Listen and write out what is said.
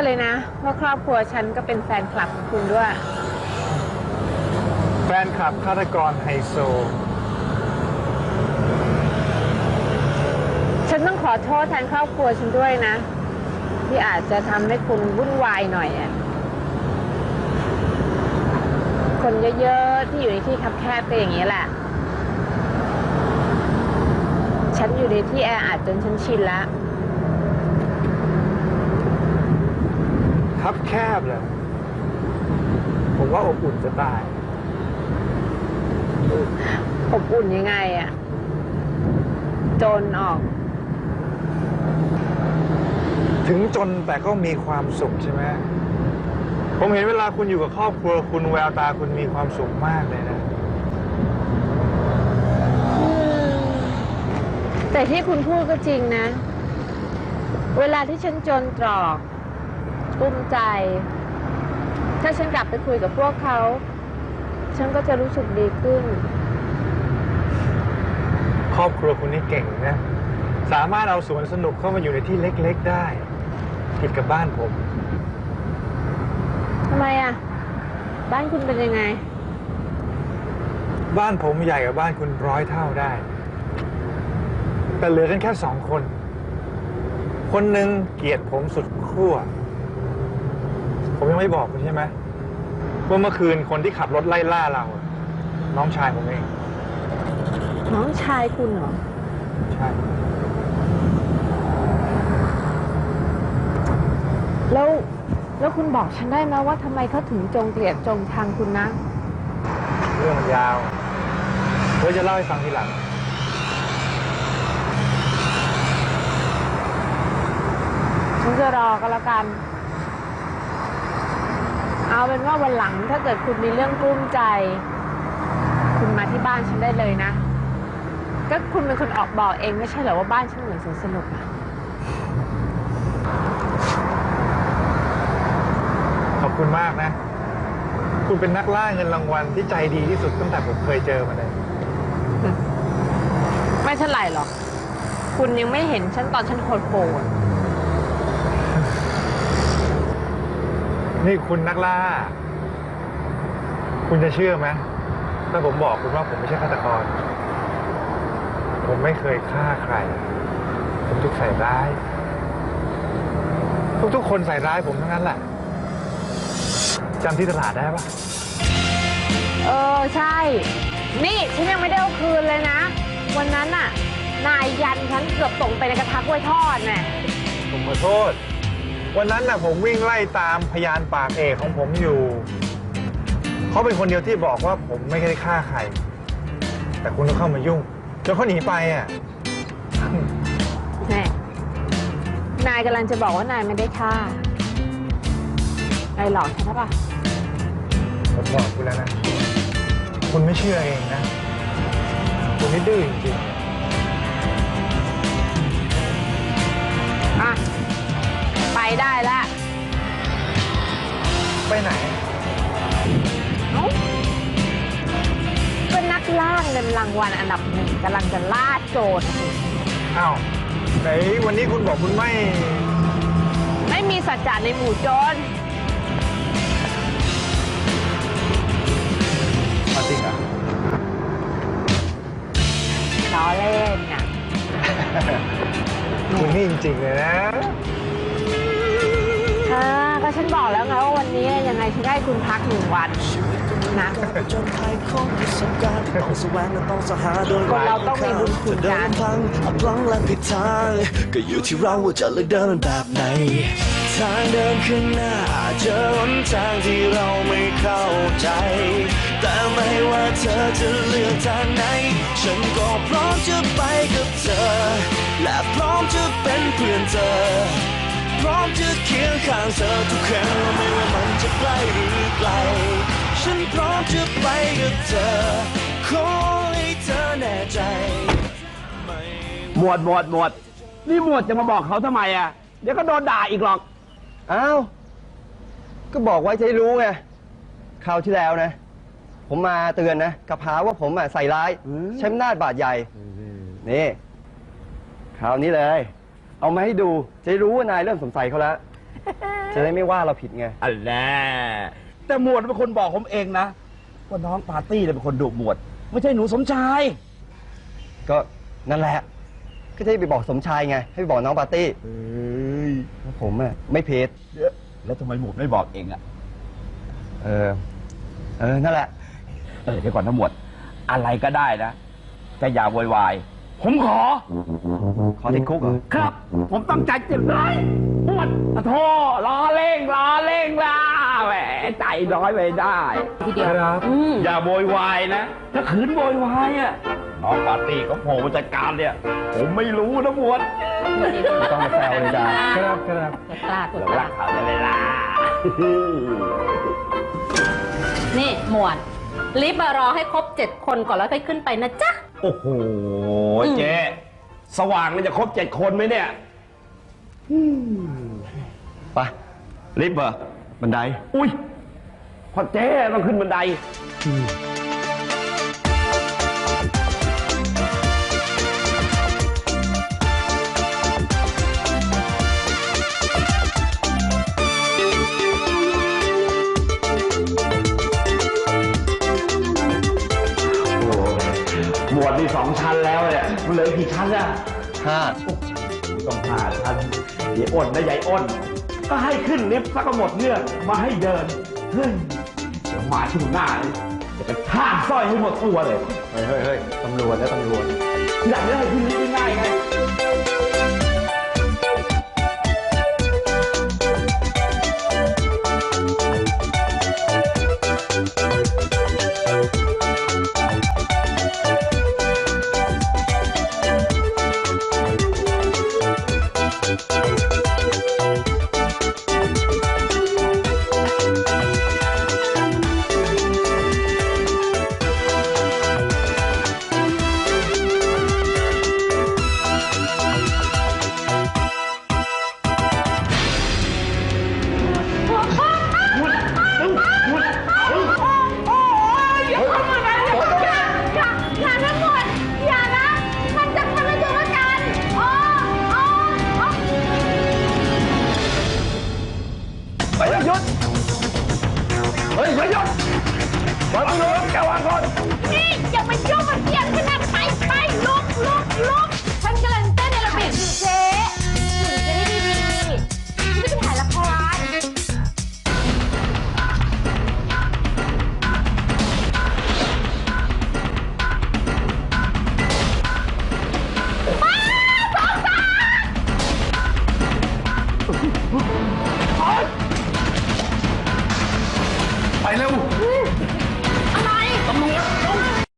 เลยนะว่าครอบครัวฉันก็เป็นแฟนคลับของคุณด้วยแฟนคลับฆาตกรไฮโซฉันต้องขอโทษแทนครอบครัวฉันด้วยนะที่อาจจะทำให้คุณวุ่นวายหน่อยอ่ะคนเยอะๆที่อยู่ในที่คับแคบเป็นอย่างนี้แหละฉันอยู่ในที่แออัดจนฉันชินแล้วคับแคบเลยผมว่าอบอุ่นจะตายอบอุ่นยังไงอ่ะจนออกถึงจนแต่ก็มีความสุขใช่ไหมผมเห็นเวลาคุณอยู่กับครอบครัวคุณแววตาคุณมีความสุขมากเลยนะแต่ที่คุณพูดก็จริงนะเวลาที่ฉันจนตรอกกุ้มใจถ้าฉันกลับไปคุยกับพวกเขาฉันก็จะรู้สึกดีขึ้นครอบครัวคุณนี่เก่งนะสามารถเอาสวนสนุกเข้ามาอยู่ในที่เล็กๆได้ผิดกับบ้านผมทำไมอ่ะบ้านคุณเป็นยังไงบ้านผมใหญ่กว่าบ้านคุณ100 เท่าได้แต่เหลือกันแค่2 คนคนหนึ่งเกลียดผมสุดขั้วผมยังไม่บอกคุณใช่ไหมว่าเมื่อคืนคนที่ขับรถไล่ล่าเราน้องชายผมเองน้องชายคุณเหรอใช่แล้วคุณบอกฉันได้ไหมว่าทำไมเขาถึงจงเกลียดจงชังคุณนะเรื่องมันยาวไว้จะเล่าให้ฟังทีหลังฉันจะรอก็แล้วกันเอาเป็นว่าวันหลังถ้าเกิดคุณมีเรื่องกลุ้มใจคุณมาที่บ้านฉันได้เลยนะก็คุณเป็นคนออกบอกเองไม่ใช่เหรอว่าบ้านฉันเหมือนสวนสนุกอะขอบคุณมากนะคุณเป็นนักล่าเงินรางวัลที่ใจดีที่สุดตั้งแต่ผมเคยเจอมาเลยไม่เท่าไหร่หรอกคุณยังไม่เห็นฉันตอนฉันโหดนี่คุณนักล่าคุณจะเชื่อไหมถ้าผมบอกคุณว่าผมไม่ใช่ฆาตกรผมไม่เคยฆ่าใครผมถูกใส่ร้ายทุกคนใส่ร้ายผมทั้งนั้นแหละจำที่ตลาดได้ปะใช่นี่ฉันยังไม่ได้เอาคืนเลยนะวันนั้นน่ะนายยันฉันเกือบตกไปในกระทะกล้วยทอดแน่ผมขอโทษวันนั้นน่ะผมวิ่งไล่ตามพยานปากเอกของผมอยู่เขาเป็นคนเดียวที่บอกว่าผมไม่ได้ฆ่าใครแต่คุณต้องเข้ามายุ่งจนเขาหนีไปอ่ะแน่นายกำลังจะบอกว่านายไม่ได้ฆ่านายหลอกฉันใช่ปะผมบอกคุณแล้วนะคุณไม่เชื่อเองนะคุณนี่ดื้อจริงๆไปได้แล้วไปไหนเป็นนักล่าเงินรางวัลอันดับ1กำลังจะล่าโจรอ้าวไหนวันนี้คุณบอกคุณไม่มีสัจจะในหมู่โจรมาจริงอ่ะล้อเล่นอ่ะคุณนี่จริงๆเลยนะก็ฉันบอกแล้วไงว่าวันนี้ยังไงฉันได้คุณพัก1 วันนะคนเราต้องมีบุญคุณกันพลังและผิดทางก็อยู่ที่เราว่าจะเลือกเดินแบบไหนทางเดินข้างหน้าเจอหนทางที่เราไม่เข้าใจแต่ไม่ว่าเธอจะเลือกทางไหนฉันก็พร้อมจะไปกับเธอและพร้อมจะเป็นเพื่อนเธอพร้อมจะเคียงข้างเธอทุกครั้งไม่ว่ามันจะใกล้หรือไกลฉันพร้อมจะไปกับเธอขอให้เธอแน่ใจหมวดนี่หมวดจะมาบอกเขาทำไมอ่ะเดี๋ยวก็โดนด่าอีกหรอกอ้าวก็บอกไว้จะได้รู้ไงคราวที่แล้วนะผมมาเตือนนะกับหาว่าผมใส่ร้ายใช้อำนาจบาดใหญ่นี่คราวนี้เลยเอามาให้ดูจะรู้ว่านายเริ่มสงสัยเขาแล้วจะได้ไม่ว่าเราผิดไงอันแน่แต่หมวดเป็นคนบอกผมเองนะ ว่าน้องปาร์ตี้เนี่ยเป็นคนดุหมวด ไม่ใช่หนูสมชายก็นั่นแหละ ก็จะให้ไปบอกสมชายไง ให้ไปบอกน้องปาร์ตี้เฮ้ยว่าผมอะไม่เพจแล้วทำไมหมวดไม่บอกเองอะเออ นั่นแหละเดี๋ยวก่อนนะหมวด อะไรก็ได้นะแต่อย่าโวยวาย ผมขอขอติดคุกเหรอครับ ผมตั้งใจเจ็บเลยหมวดโทษล้อเล่งล่ะแหมใจน้อยไปได้ทีเดียวครับอย่าโวยวายนะ ถ้าขืนโวยวายอะน้องปาร์ตี้เขาโผล่มาจัดการเนี่ย ผมไม่รู้นะหมวดไม่ต้องมาแซวเลยจ้าครับกดตากดเราตารักเขาได้เวลานี่หมวด ลิฟต์มารอให้ครบ 7 คนก่อนแล้วค่อยขึ้นไปนะจ๊ะโอ้โห เจ๊สว่างมันจะครบ7 คนไหมเนี่ยไปลิฟต์เหรอบันไดอุ้ยพอเจ๊ต้องขึ้นบันได โอ้หมวดนี่2 ชั้นแล้วเนี่ยมันเหลืออีกกี่ชั้นอะ 5 ต้อง5 ชั้นยายอ้นนะยายอ้น ก็ให้ขึ้นลิฟต์สักก็หมดเรื่องมาให้เดิน เฮ้ย เดี๋ยวมาช่วงหน้าเลยจะกระชากสร้อยให้หมดตัวเลยเฮ้ยตำรวจแล้วตำรวจที่หลังจะให้ขึ้นลิฟต์ง่ายๆไงอย่านะหมวดอย่านะ มันจะทำให้ตัวประกันอ๋อไปหยุด เฮ้ยไปหยุดวางมือแกวางก่อนนี่อย่าไปยุ่งกับเสียงขนาดไปลุกฉันกำลังเต้นในระเบียบอยู่เจ๊ถึงจะได้ดีๆไม่ไปถ่ายละครไปเร็ว